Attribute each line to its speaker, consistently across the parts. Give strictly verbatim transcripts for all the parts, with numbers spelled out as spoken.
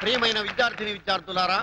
Speaker 1: ప్రియమైన విద్యార్థిని విద్యార్థులారా,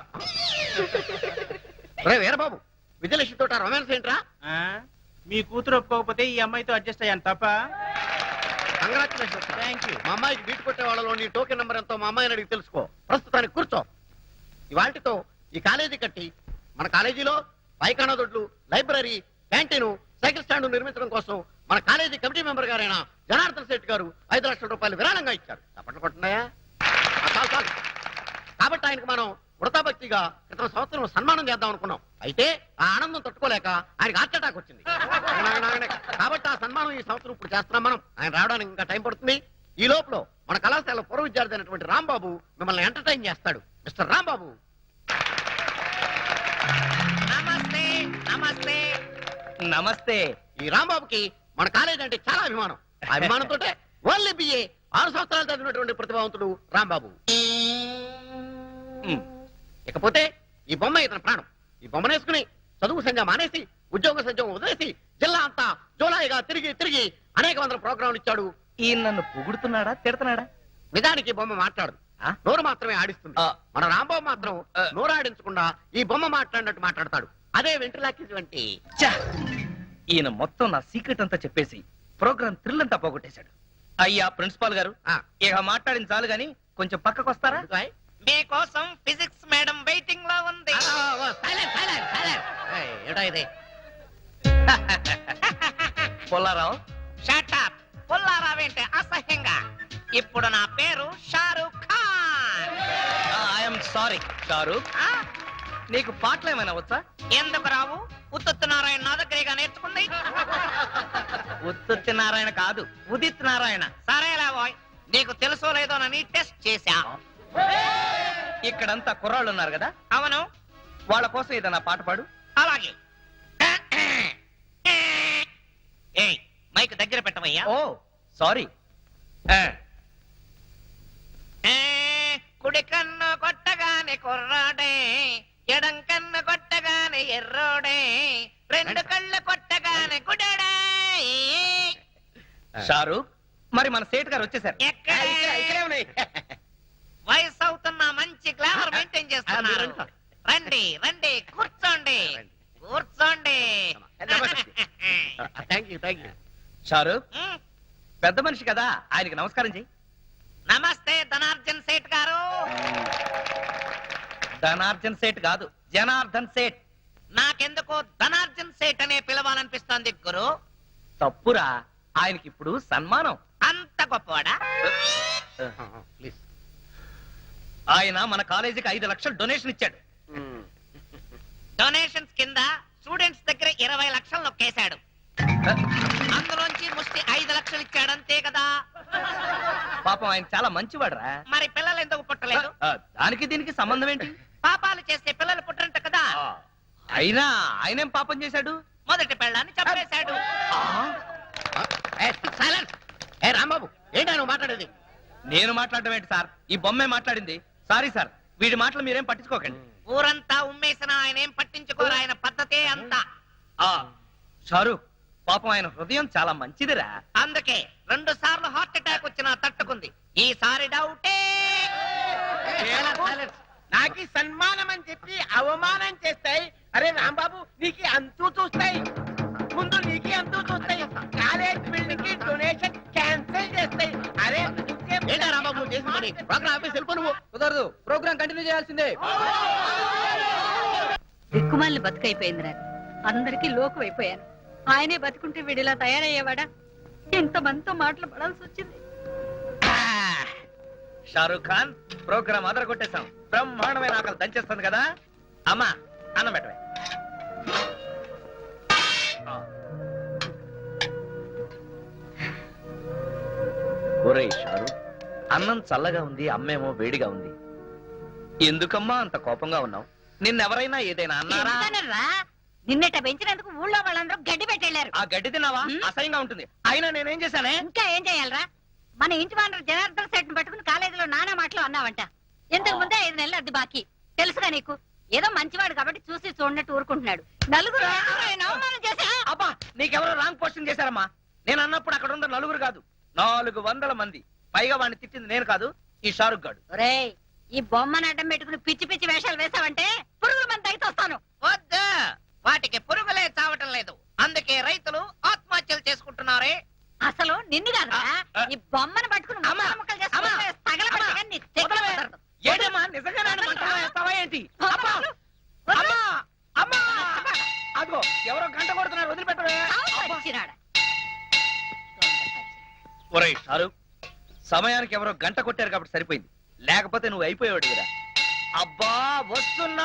Speaker 1: రే వీరబాబు, విజయలక్ష్మి తోట రొమాన్స్ ఏంట్రా?
Speaker 2: మీ కూతురు ఒప్పుకోకపోతే ఈ అమ్మాయితో అడ్జస్ట్ అయ్యాను తప్ప.
Speaker 1: కంగ్రాచులేషన్.
Speaker 2: Thank you.
Speaker 1: మా అమ్మాయికి బీట్ కొట్టే వాళ్ళలో నీ టోకెన్ నెంబర్ ఎంతో మా అమ్మాయిని అడిగి తెలుసుకో. ప్రస్తుతానికి కూర్చో. ఇవాటితో ఈ కాలేజీ కట్టి మన కాలేజీలో పైకానా దొడ్లు, లైబ్రరీ, క్యాంటీన్, సైకిల్ స్టాండ్ నిర్మించడం కోసం మన కాలేజీ కమిటీ మెంబర్ గారైన జనార్దన్ శెట్టి గారు ఐదు లక్షల రూపాయలు విరాళంగా ఇచ్చారు. తప్పట్లు కొట్టున్నాయా? చాలు చాలు. కాబట్టి ఆయనకు మనం వృతాభక్తిగా క్రితం సంవత్సరం సన్మానం చేద్దాం అనుకున్నాం. అయితే ఆ ఆనందం తట్టుకోలేక ఆయనకు హార్ట్ అటాక్ వచ్చింది. కాబట్టి ఆ సన్మానం ఈ సంవత్సరం ఇప్పుడు చేస్తున్నాం మనం. ఆయన రావడానికి ఇంకా టైం పడుతుంది. ఈ లోపల మన కళాశాల పూర్వ విద్యార్థి అయినటువంటి రాంబాబు మిమ్మల్ని ఎంటర్టైన్ చేస్తాడు. మిస్టర్ రాంబాబు.
Speaker 3: నమస్తే నమస్తే
Speaker 4: నమస్తే.
Speaker 1: ఈ రాంబాబుకి మన కాలేజీ అంటే చాలా అభిమానం. ఆ అభిమానంతో ఓన్లీ బిఏ ఆరు సంవత్సరాలు చదివినటువంటి ప్రతిభావంతుడు రాంబాబు. ఇకపోతే ఈ బొమ్మ ఇతని ప్రాణం. ఈ బొమ్మను వేసుకుని చదువు సంజ మానేసి ఉద్యోగ సంజం వదిలేసి జిల్లా అంతా జోలాయిగా తిరిగి తిరిగి అనేక వందల ప్రోగ్రాంలు ఇచ్చాడు.
Speaker 4: ఈయన నన్ను పొగుడుతున్నాడా తిడతాడా?
Speaker 1: నిజానికి బొమ్మ మాట్లాడు, నోరు మాత్రమే ఆడిస్తుంది. మన రాంబాబు మాత్రం నోరు ఆడించకుండా ఈ బొమ్మ మాట్లాడినట్టు మాట్లాడతాడు. అదే వెంట్రులాకి వంటి.
Speaker 4: ఈయన మొత్తం నా సీక్రెట్ అంతా చెప్పేసి ప్రోగ్రామ్ థ్రిల్ అంతా పోగొట్టేశాడు. అయ్యా ప్రిన్సిపాల్ గారు, ఇక మాట్లాడిన చాలు గాని కొంచెం పక్కకు వస్తారా?
Speaker 3: మీకోసం ఫిజిక్స్ మేడం వెయిటింగ్ లో ఉంది.
Speaker 1: ఏటా ఇది?
Speaker 4: పొల్లారావు.
Speaker 3: Shut up. పుల్లారావేంటే అసహ్యంగా. ఇప్పుడు నా పేరు షారూక్ ఖాన్.
Speaker 4: I'm sorry Shahrukh. నీకు పాటలు ఏమైనా వచ్చా?
Speaker 3: ఎందుకు రావు? ఉత్తుత్ నారాయణ నా దగ్గరగా నేర్చుకుంది.
Speaker 4: ఉత్తుత్తి నారాయణ కాదు, ఉదిత్ నారాయణ.
Speaker 3: సరేలా బాయ్, నీకు తెలుసో లేదోనని టెస్ట్ చేశా.
Speaker 4: ఇక్కడంతా కుర్రాళ్ళు ఉన్నారు కదా?
Speaker 3: అవును.
Speaker 4: వాళ్ళ కోసం ఏదైనా పాట పాడు.
Speaker 3: అలాగే. ఏయ్, మైక్ దగ్గర పెట్టవయ్యా.
Speaker 4: ఓ సారీ.
Speaker 3: కుడి కన్ను కొట్టగానే కుర్రాడే, ఎడం కన్ను కొట్టగానే ఎర్రోడే, రెండు కళ్ళు కొట్టగానే గుడడే.
Speaker 4: షారూక్, మరి మన సేట్ గారు వచ్చేసారు.
Speaker 3: ఎక్కడే ఉన్నాయి? వయసు అవుతున్నా మంచి గ్లామర్ మెయింటైన్ చేస్తున్నారు. రండి రండి, కూర్చోండి కూర్చోండి.
Speaker 4: షారూక్, పెద్ద మనిషి కదా, ఆయనకి నమస్కారం చెయ్యి.
Speaker 3: నమస్తే ధనార్జన్ సేట్ గారు.
Speaker 4: ధనార్జన్ సేట్ కాదు, జనార్దన్ సేట్.
Speaker 3: నాకెందుకో ధనార్జన్ సేట్ అనే పిలవాలనిపిస్తోంది గురు.
Speaker 4: తప్పురా, ఆయనకి ఇప్పుడు సన్మానం.
Speaker 3: అంత గొప్పవాడా?
Speaker 4: ఆయన మన కాలేజీకి ఐదు లక్షలు డొనేషన్ ఇచ్చాడు.
Speaker 3: డొనేషన్స్ కింద స్టూడెంట్స్ దగ్గర ఇరవై లక్షలు నొక్కేశాడు. అందులోంచి ముష్టి ఐదు లక్షలు ఇచ్చాడు, అంతే కదా?
Speaker 4: పాపం ఆయన చాలా మంచివాడరా.
Speaker 3: మరి పిల్లలు ఎందుకు పుట్టలేదు?
Speaker 4: దానికి దీనికి సంబంధం ఏంటి?
Speaker 3: పాపాలు చేస్తే పిల్లలు పుట్టరంట కదా.
Speaker 4: అయినా ఆయనేం పాపం చేశాడు?
Speaker 3: మొదటి పెళ్ళాన్ని చంపేశాడు.
Speaker 1: రాంబాబు, ఏంటా నువ్వు మాట్లాడేది?
Speaker 4: నేను మాట్లాడడం ఏంటి సార్? ఈ బొమ్మే మాట్లాడింది. సారీ సార్, వీడి మాటలు మీరేం పట్టించుకోకండి.
Speaker 3: ఊరంతా ఉమ్మేసిన ఆయన ఏం పట్టించుకోరు. ఆయన పద్ధతే అంతా.
Speaker 4: షారూక్, పాపం ఆయన హృదయం చాలా మంచిదిరా.
Speaker 3: అందుకే రెండు సార్లు హార్ట్ అటాక్ వచ్చినా తట్టుకుంది. ఈసారి డౌటే.
Speaker 2: నాకు సన్మానం అని చెప్పి అవమానం చేస్తాయి. అరే రాంబాబు, నీకు అంతూ చూస్తాయి. ముందు నీకే అంతూ చూస్తాయి. కాలేజ్ బిల్డింగ్ కి డొనేషన్ క్యాన్సిల్ చేస్తాయి. అరే
Speaker 1: రాంబాబు చేసి ప్రోగ్రామ్ ఆఫీస్ వెళ్ళిపో. నువ్వు
Speaker 4: కుదరదు, ప్రోగ్రామ్ కంటిన్యూ చేయాల్సిందే.
Speaker 5: దిక్కుమాలిన బతుకైపోయింది నాకు. అందరికీ లోకు అయిపోయాను. ఆయనే బతుకుంటే వీడిలా తయారయ్యేవాడా? ఎంతమందితో మాటలు పడాల్సి వచ్చింది.
Speaker 4: షారూక్ ఖాన్, ప్రోగ్రామ్ అదర కొట్టేశాం. బ్రహ్మాండమైన ఆకలి దంచేస్తుంది కదా. అమ్మా, అన్నం పెట్టవే. ఒరేయ్ షారూక్, అన్నం చల్లగా ఉంది, అమ్మేమో వేడిగా ఉంది. ఎందుకమ్మా అంత కోపంగా ఉన్నావు? నిన్నెవరైనా ఏదైనా అన్నారా?
Speaker 5: నిన్నట పెంచినందుకు ఊళ్ళో వాళ్ళందరూ గడ్డి పెట్టెళ్లారు.
Speaker 4: ఆ గడ్డి తిన్నావా? అసహ్యంగా ఉంటుంది. అయినా నేనేం చేశానే?
Speaker 5: ఇంకా ఏం చేయాలరా? మన ఇంటి వానరు జనార్దన్ సెట్ పట్టుకుని కాలేజీలో నానా మాటలు అన్నావంట. ఇంతకు ముందే ఐదు నెలలు అద్దె బాకీ. తెలుసుగా నీకు? ఏదో మంచివాడు కాబట్టి చూసి చూడనట్టు ఊరుకుంటున్నాడు. నలుగురు అవమానం చేశా.
Speaker 4: అబ్బా, నీకెవరో రాంగ్ పోస్టింగ్ చేశారమ్మా. నేను అన్నప్పుడు అక్కడ ఉన్న నలుగురు కాదు, నాలుగు వందల మంది. పైగా వాడిని తిట్టింది నేను కాదు, ఈ షారుఖ్ గాడు.
Speaker 5: ఒరేయ్, ఈ బొమ్మను అడ్డం పెట్టుకుని పిచ్చి పిచ్చి వేషాలు వేసావంటే పురుగుల మంది అయితే వస్తాను.
Speaker 3: వద్దు, వాటికి పురుగులే చావటం లేదు, అందుకే రైతులు ఆత్మహత్యలు చేసుకుంటున్నారే.
Speaker 5: అసలు నిన్ను కాదు ఈ బొమ్మను పట్టుకుని
Speaker 2: అమ్మా!
Speaker 5: ముక్కలు ముక్కలు చేసుకుంటే
Speaker 2: అమ్మా!
Speaker 5: తగలబెట్టి కానీ నీ చెయ్యి
Speaker 2: వదలవే.
Speaker 5: కుదరదు.
Speaker 2: ఏంటమ్మా నిజంగా నన్ను మంటలో వేస్తావా ఏంటి? అమ్మా!
Speaker 5: వదలు.
Speaker 2: అమ్మా! అమ్మా! అదిగో ఎవరో గంట కొడుతున్నారు, వదిలిపెట్టవే.
Speaker 5: చావు పచ్చినాడా.
Speaker 4: ఒరేయ్ షారూక్, సమయానికి ఎవరో గంట కొట్టారు కాబట్టి సరిపోయింది, లేకపోతే నువ్వు అయిపోయాడు కదా.
Speaker 2: అబ్బా వస్తున్నా.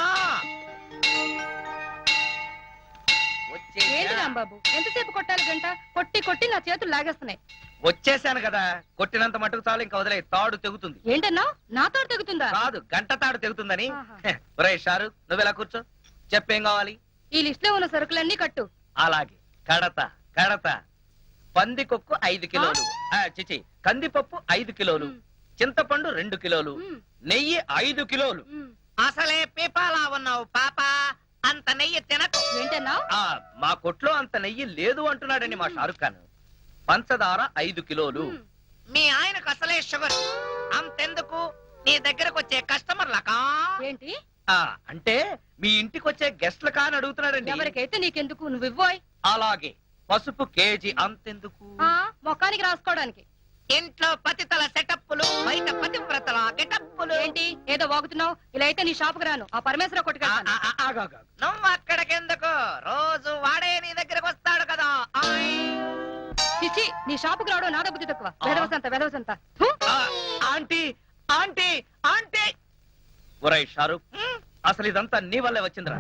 Speaker 4: వచ్చేసా.
Speaker 6: ఏంటి రాంబాబు ఎంతసేపు కొట్టాలి గంట? కొట్టి కొట్టి నా చేతులు లాగేస్తున్నాయి.
Speaker 4: వచ్చేసాను కదా, కొట్టినంత మటుకు చాలు, ఇంకా వదిలే, తాడు తెగుతుంది.
Speaker 6: ఏంటన్నా నాతో తెగుతుందా?
Speaker 4: కాదు, గంట తాడు తెగుతుందని.
Speaker 6: ఆహా.
Speaker 4: ఒరేయ్ షారూక్, నువ్వెలా కూర్చో, చెప్పేం కావాలి?
Speaker 6: ఈ లిస్ట్ లో ఉన్న సరుకులన్నీ కట్టు.
Speaker 4: అలాగే కడత కడత. పందికొక్కు ఐదు కిలోలు, ఆ, చిచి కందిపప్పు ఐదు కిలోలు,
Speaker 6: మ్.
Speaker 4: చింతపండు రెండు కిలోలు,
Speaker 6: మ్.
Speaker 4: నెయ్యి ఐదు కిలోలు.
Speaker 6: ఉమ్.
Speaker 3: అసలే పీపాలా ఉన్నావు పాప, అంత నెయ్యి తినకు.
Speaker 6: ఏంటన్నా?
Speaker 4: ఆ మా కొట్లో అంత నెయ్యి లేదు అంటున్నాడండి మా షారుఖ్ ఖాన్. పంచదార ఐదు కిలోలు.
Speaker 6: ఉమ్.
Speaker 3: మీ ఆయనకు అసలే షుగర్, అంతెందుకు నీ దగ్గరకు వచ్చే కస్టమర్లకా.
Speaker 6: ఏంటి?
Speaker 4: ఆ అంటే మీ ఇంటికి వచ్చే గెస్ట్ల కాని అడుగుతున్నాడండి.
Speaker 6: ఎవరికైతే నీకెందుకు, నువ్వు ఇవ్వోయ్.
Speaker 4: అలాగే పసుపు కేజీ అంతెందుకు?
Speaker 6: ఆ మొఖానికి రాసుకోవడానికి.
Speaker 3: ఇంట్లో పతితల సెటప్పులు, బయట పతివ్రతల గెటప్పులు.
Speaker 6: ఏంటి ఏదో వాగుతున్నావు? ఇలా అయితే నీ షాపుకి రాను, ఆ పరమేశ్వర
Speaker 2: ఆ,
Speaker 6: కొట్టుకెళ్తాను.
Speaker 2: ఆ, ఆ, ఆగు, ఆగు, ఆగు.
Speaker 3: నువ్వు అక్కడికెందుకు, రోజు వాడే నీ దగ్గరకు వస్తాడు కదా. ఆయ్.
Speaker 6: చిచి, నీ షాపుకి రావడం నాదో బుద్ధి తక్కువ.
Speaker 4: ఆ.
Speaker 6: వెదవసంత వెదవసంత. హు?
Speaker 4: ఆ, ఆంటీ ఆంటీ ఆంటీ. ఒరేయ్ షారుఖ్,
Speaker 3: హ్మ్?
Speaker 4: అసలు ఇదంతా నీ వల్లే వచ్చిందిరా.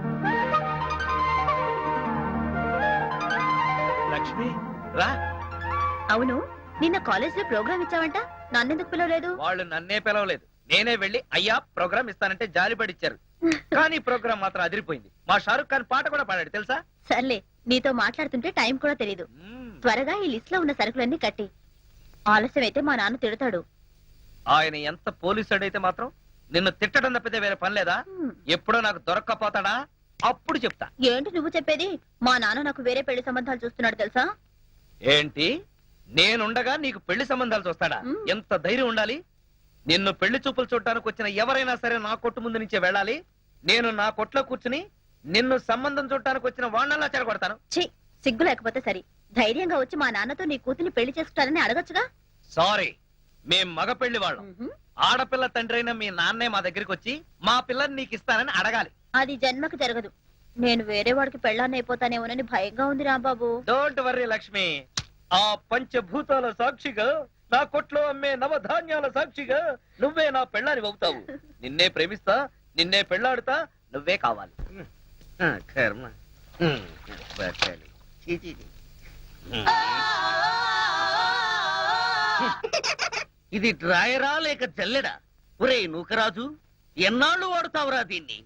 Speaker 4: లక్ష్మి రా.
Speaker 7: అవును, నిన్న కాలేజ్ లో ప్రోగ్రామ్ ఇచ్చావంట, నన్నెందుకు పిలవలేదు?
Speaker 4: వాళ్ళు నన్నే పిలవలేదు, నేనే వెళ్ళి అయ్యా ప్రోగ్రామ్ ఇస్తానంటే జాలిపడిచ్చారు. కానీ ప్రోగ్రామ్ మాత్రం అదిరిపోయింది. మా షారుఖ్ ఖాన్ పాట కూడా పాడాడు తెలుసా?
Speaker 7: సర్లే, నీతో మాట్లాడుతుంటే టైం కూడా తెలీదు.
Speaker 4: మ్మ్.
Speaker 7: త్వరగా ఈ లిస్ట్ లో ఉన్న సరుకులన్నీ కట్టి. ఆలస్యం అయితే మా నాన్న తిడతాడు.
Speaker 4: ఆయన ఎంత పోలీసుడైతే మాత్రం నిన్ను తిట్టడం తప్పితే వేరే పని లేదా?
Speaker 7: హ్మ్.
Speaker 4: ఎప్పుడో నాకు దొరక్కపోతాడా అప్పుడు చెప్తా.
Speaker 7: ఏంటి నువ్వు చెప్పేది? మా నాన్న నాకు వేరే పెళ్లి సంబంధాలు చూస్తున్నాడు తెలుసా?
Speaker 4: ఏంటి, నేనుండగా నీకు పెళ్లి సంబంధాలు చూస్తాడా?
Speaker 7: మ్మ్.
Speaker 4: ఎంత ధైర్యం ఉండాలి? నిన్ను పెళ్లి చూపులు చూడటానికి వచ్చిన ఎవరైనా సరే నా కొట్టు ముందు నుంచే వెళ్ళాలి. నేను నా కొట్లో కూర్చుని నిన్ను సంబంధం చూడటానికి వచ్చిన వాళ్ళలా చెడగొడతాను.
Speaker 7: ఛీ, సిగ్గు లేకపోతే సరి. ధైర్యంగా వచ్చి మా నాన్నతో నీ కూతుర్ని పెళ్లి చేసుకుంటారని అడగచ్చుగా.
Speaker 4: సారీ, మేం మగ పెళ్లి వాళ్ళం.
Speaker 7: మ్హూ.
Speaker 4: ఆడపిల్ల తండ్రి అయిన మీ నాన్నే మా దగ్గరికి వచ్చి మా పిల్లని నీకు ఇస్తానని అడగాలి.
Speaker 7: అది జన్మకు జరగదు. నేను వేరే వాడికి పెళ్ళాన్ని అయిపోతానేమోనని భయంగా ఉంది రాంబాబు.
Speaker 4: డోంట్ వర్రీ లక్ష్మి, ఆ పంచభూతాల సాక్షిగా, నా కొట్లో అమ్మే నవధాన్యాల సాక్షిగా నువ్వే నా పెళ్ళాని అవుతావు. నిన్నే ప్రేమిస్తా, నిన్నే పెళ్ళాడుతా, నువ్వే కావాలి.
Speaker 1: కర్మ. బతకాలి. చీ, చీ, చీ. ఇది డ్రాయరా లేక జల్లెడా? ఒరే నూకరాజు, ఎన్నాళ్ళు వాడుతావురా దీన్ని?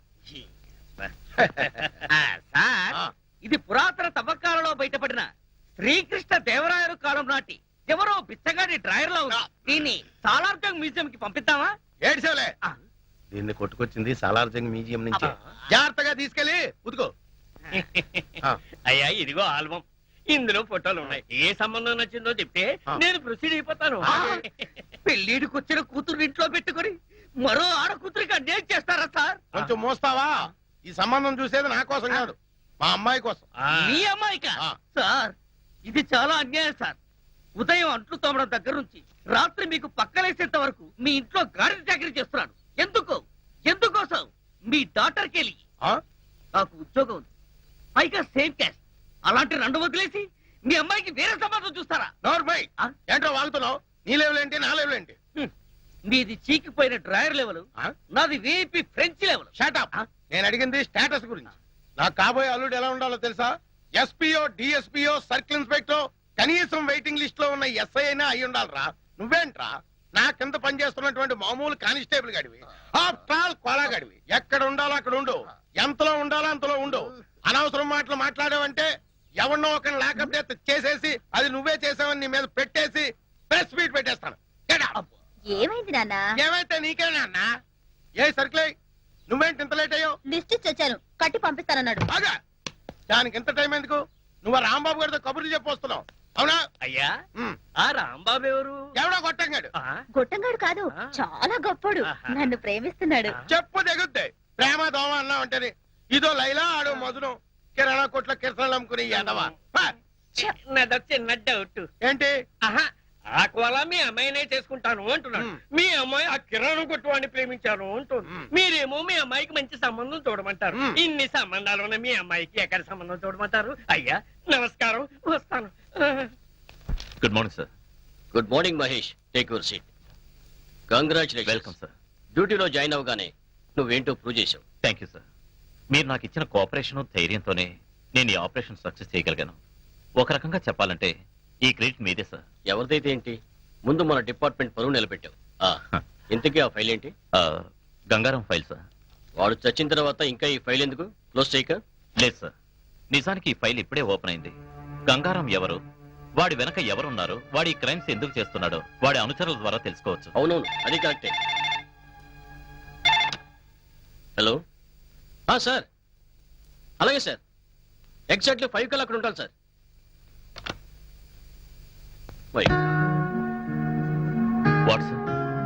Speaker 1: ఆ, సార్, ఇది పురాతన తవ్వకాలలో బయటపడిన శ్రీకృష్ణ దేవరాయలు కాలం నాటి ఎవరో బిచ్చగాడి డ్రాయర్ లో ఉంది. దీన్ని సాలార్జంగ్ మ్యూజియం కి పంపిద్దామా?
Speaker 8: ఏడ్చేవలే, దీన్ని కొట్టుకొచ్చింది సాలార్జంగ్ మ్యూజియం నుంచి. జాగ్రత్తగా తీసుకెళ్ళి ఉతుకో.
Speaker 2: అయ్యా ఇదిగో ఆల్బం, ఇందులో ఫోటోలు ఉన్నాయి. ఏ సంబంధం నచ్చిందో చెప్తే
Speaker 8: ఆ.
Speaker 2: నేను ప్రొసీడ్ అయిపోతాను.
Speaker 1: పెళ్లిడికి వచ్చిన కూతురు ఇంట్లో పెట్టుకుని మరో ఆడ కూతురికి అన్యాయం చేస్తారా సార్?
Speaker 8: కొంచెం మోస్తావా? ఈ సంబంధం చూసేది నా కోసం కాదు, మా అమ్మాయి కోసం.
Speaker 1: మీ అమ్మాయికా?
Speaker 8: ఆ.
Speaker 1: సార్, ఇది చాలా అన్యాయం సార్. ఉదయం అంట్లు తోమడం దగ్గర నుంచి రాత్రి మీకు పక్కలేసేంత వరకు మీ ఇంట్లో గాడి చాకరీ చేస్తున్నాను. ఎందుకు? ఎందుకోసం? మీ డాక్టర్కి వెళ్ళి
Speaker 8: ఆ?
Speaker 1: నాకు ఉద్యోగం ఉంది, పైగా సేమ్ క్యాస్ట్. అలాంటి రెండు వదిలేసి మీ అమ్మాయికి వేరే సంబంధం చూస్తారా?
Speaker 8: నోర్మై,
Speaker 1: ఆ?
Speaker 8: ఏంట్రో వాగుతున్నావు? నీ లెవెల్ నా లెవెల్
Speaker 1: హ్మ్. మీది చీకిపోయిన డ్రాయర్ లెవెల్, నాది వీపీ ఫ్రెంచ్ లెవెల్.
Speaker 8: షాటప్.
Speaker 1: ఆ?
Speaker 8: నేను అడిగింది స్టేటస్ గురించి. నాకు కాబోయే అల్లుడు ఎలా ఉండాలో తెలుసా? ఎస్పీఓ, డిఎస్పీఓ, సర్కిల్ ఇన్స్పెక్టర్, కనీసం వెయిటింగ్ లిస్ట్ లో ఉన్న ఎస్ఐ అయినా అయి ఉండాలిరా. నువ్వేంట్రా నా కింద పనిచేస్తున్నటువంటి మామూలు కానిస్టేబుల్ గడివి, ఆఫ్టర్ ఆల్ కోలా గడివి. ఎక్కడ ఉండాలో అక్కడ ఉండు, ఎంతలో ఉండాలో అంతలో ఉండు. అనవసరం మాటలు మాట్లాడావంటే ఎవరినో ఒక లాకప్ డెత్ చేసేసి అది నువ్వే చేసావని నీ మీద పెట్టేసి ప్రెస్ మీట్ పెట్టేస్తాను. Get out.
Speaker 7: ఏమైంది నాన్న?
Speaker 8: ఏమైతే నీకేనా అన్నా? ఏ సర్కిల్, నువ్వేంటి ఇంత లేట్ అయ్యావు?
Speaker 7: లిస్ట్ ఇచ్చి వచ్చాను, కట్టి పంపిస్తానన్నాడు.
Speaker 8: బాగా దానికి ఎంత టైం ఎందుకు? నువ్వు ఆ రాంబాబు గారితో కబుర్లు చెప్పొస్తున్నావు. అవునా
Speaker 4: అయ్యా
Speaker 8: ఉమ్.
Speaker 4: ఆ రాంబాబు ఎవరు
Speaker 8: ఎవడో కొట్టంగాడు
Speaker 4: ఆ,
Speaker 7: గొట్టంగాడు కాదు
Speaker 4: ఆ.
Speaker 7: చాలా గొప్పోడు
Speaker 4: ఆహా.
Speaker 7: నన్ను ప్రేమిస్తున్నాడు
Speaker 4: ఆ.
Speaker 8: చెప్పు తెగుద్ది ప్రేమ దోమ అన్నా అంటేనే ఇదో లైలా ఆడో మధురం కిరాణా కొట్ల కిరసనాలు అమ్ముకుని ఎదవా పా.
Speaker 4: నాదో చిన్న డౌట్
Speaker 8: ఏంటి
Speaker 4: ఆహా ఆ కోల మీ అమ్మాయినే చేసుకుంటాను అంటున్నాడు
Speaker 8: మ్.
Speaker 4: మీ అమ్మాయి ఆ కిరాణం కొట్టువాడిని ప్రేమించాను అంటుంది
Speaker 8: మ్.
Speaker 4: మీరేమో మీ అమ్మాయికి మంచి సంబంధం చూడమంటారు
Speaker 8: మ్.
Speaker 4: ఇన్ని సంబంధాలు ఉన్న మీ అమ్మాయికి ఎక్కడ సంబంధం చూడమంటారు అయ్యా నమస్కారం వస్తాను
Speaker 9: good morning sir
Speaker 10: good morning Mahesh take your seat congratulation
Speaker 9: welcome sir
Speaker 10: డ్యూటీలో జాయిన్ అవగానే నువ్వేంటో ప్రూవ్ చేసావు
Speaker 9: థ్యాంక్ యూ సార్ మీరు నాకు ఇచ్చిన కోఆపరేషన్ ధైర్యంతోనే నేను ఈ ఆపరేషన్ సక్సెస్ చేయగలిగాను ఒక రకంగా చెప్పాలంటే ఈ క్రెడిట్ మీదే సార్
Speaker 10: ఎవరిదైతే ఏంటి ముందు మన డిపార్ట్మెంట్ పరువు నిలబెట్టావు ఆ, ఇంతకీ ఆ ఫైల్ ఏంటి
Speaker 9: ఆ, గంగారం ఫైల్ సార్
Speaker 10: వాడు చచ్చిన తర్వాత ఇంకా ఈ ఫైల్ ఎందుకు క్లోజ్ చేయక
Speaker 9: లేదు సార్ నిజానికి ఈ ఫైల్ ఇప్పుడే ఓపెన్ అయింది గంగారం ఎవరు వాడి వెనక ఎవరున్నారు వాడి క్రైమ్స్ ఎందుకు చేస్తున్నాడో వాడి అనుచరుల ద్వారా తెలుసుకోవచ్చు
Speaker 10: అవునవును అది కరెక్టే హలో సార్ అలాగే సార్ ఎగ్జాక్ట్లీ ఫైవ్ కల్లా అక్కడ ఉంటాను సార్ వై
Speaker 9: వాట్ సార్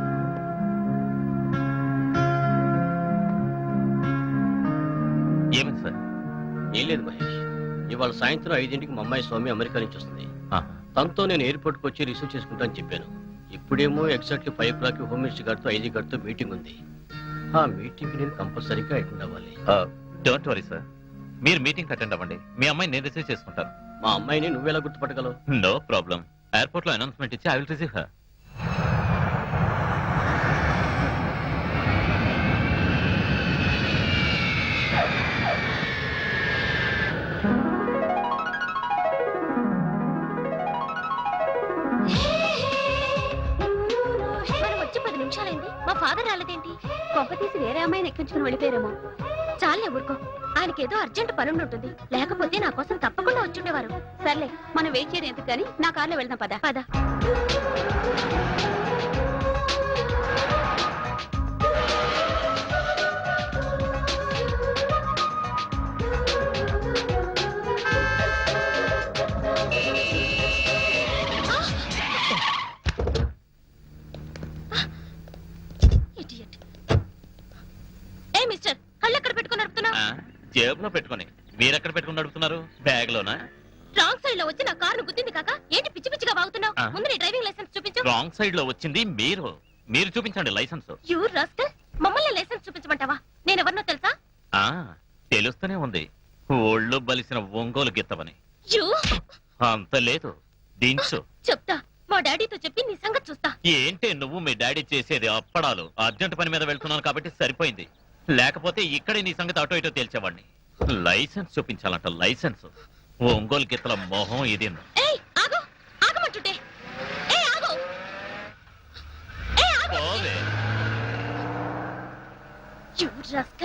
Speaker 9: ఏమైంది సార్
Speaker 10: ఏం లేదు మహేష్ ఇవాళ సాయంత్రం ఐదింటికి మా అమ్మాయి స్వామి అమెరికా నుంచి వస్తుంది
Speaker 9: ఆహా.
Speaker 10: తనతో నేను ఎయిర్పోర్ట్ కి వచ్చి రిసీవ్ చేసుకుంటాను చెప్పాను ఇప్పుడేమో exactly five o'clock home minister గారితో ఐజీ గారితో మీటింగ్ ఉంది ఆ మీటింగ్ నేను కంపల్సరీగా అటెండ్ అవ్వాలి
Speaker 9: డోంట్ వరీ సార్ మీరు మీటింగ్ అటెండ్ అవ్వండి మీ అమ్మాయి నేను రిసీవ్ చేసుకుంటాను
Speaker 10: మా అమ్మాయిని నువ్వెలా గుర్తుపట్టగలవు
Speaker 9: నో ప్రాబ్లం ఎయిర్పోర్ట్ లో అనౌన్స్మెంట్ ఇచ్చి ఐ విల్ రిసీవ్ హర్
Speaker 7: మనం వచ్చి పది నిమిషాలైంది మా ఫాదర్ రాలేదేంటి కొంప తీసి వేరే అమ్మాయిని ఎక్కించుకుని వెళ్ళిపోయారేమో చాలే ఊరుకో ఆయనకి ఏదో అర్జెంట్ పని ఉంటుంది లేకపోతే నా కోసం తప్పకుండా వచ్చుండేవారు సర్లే మనం వెయిట్ చేయడం ఎందుకు కానీ నా కార్లో వెళ్దాం పద పద Idiot. ఏ మిస్టర్ కళ్ళు ఎక్కడ పెట్టుకుని నడుపుతున్నావు
Speaker 9: జేబులో పెట్టుకొని మీరెక్కడ పెట్టుకుని నడుపుతున్నారు బ్యాగ్ లోనా
Speaker 7: రాంగ్ సైడ్ లో వచ్చి నా కారు గుద్దింది కాక ఏంటి పిచ్చి పిచ్చిగా వాగుతున్నావు
Speaker 9: ఆ.
Speaker 7: ముందు నీ డ్రైవింగ్ లైసెన్స్ చూపించు
Speaker 9: రాంగ్ సైడ్ లో వచ్చింది మీరు మీరు చూపించండి లైసెన్స్
Speaker 7: యూ రాస్కల్ మమ్మల్ని లైసెన్స్ చూపించమంటావా నేను ఎవరినో తెలుసా
Speaker 9: ఆ తెలుస్తూనే ఉంది ఒళ్ళు బలిసిన ఒంగోలు గిత్తవని
Speaker 7: యూ
Speaker 9: అంత లేదు దించు
Speaker 7: చెప్తా మా డాడీతో చెప్పి నీ సంగతి చూస్తా
Speaker 9: ఏంటే నువ్వు మీ డాడీ చేసేది అప్పడాలు అర్జెంట్ పని మీద వెళ్తున్నాను కాబట్టి సరిపోయింది లేకపోతే ఇక్కడే నీ సంగతి అటో ఇటో తేల్చేవాడిని లైసెన్స్ చూపించాలంట లైసెన్స్ ఒంగోలు గిత్తల మొహం ఇది
Speaker 7: ఏయ్ ఆగు ఆగమంటుంటే ఏయ్ ఆగు ఏయ్ ఆగు
Speaker 9: పోవే
Speaker 7: యూ రాస్కల్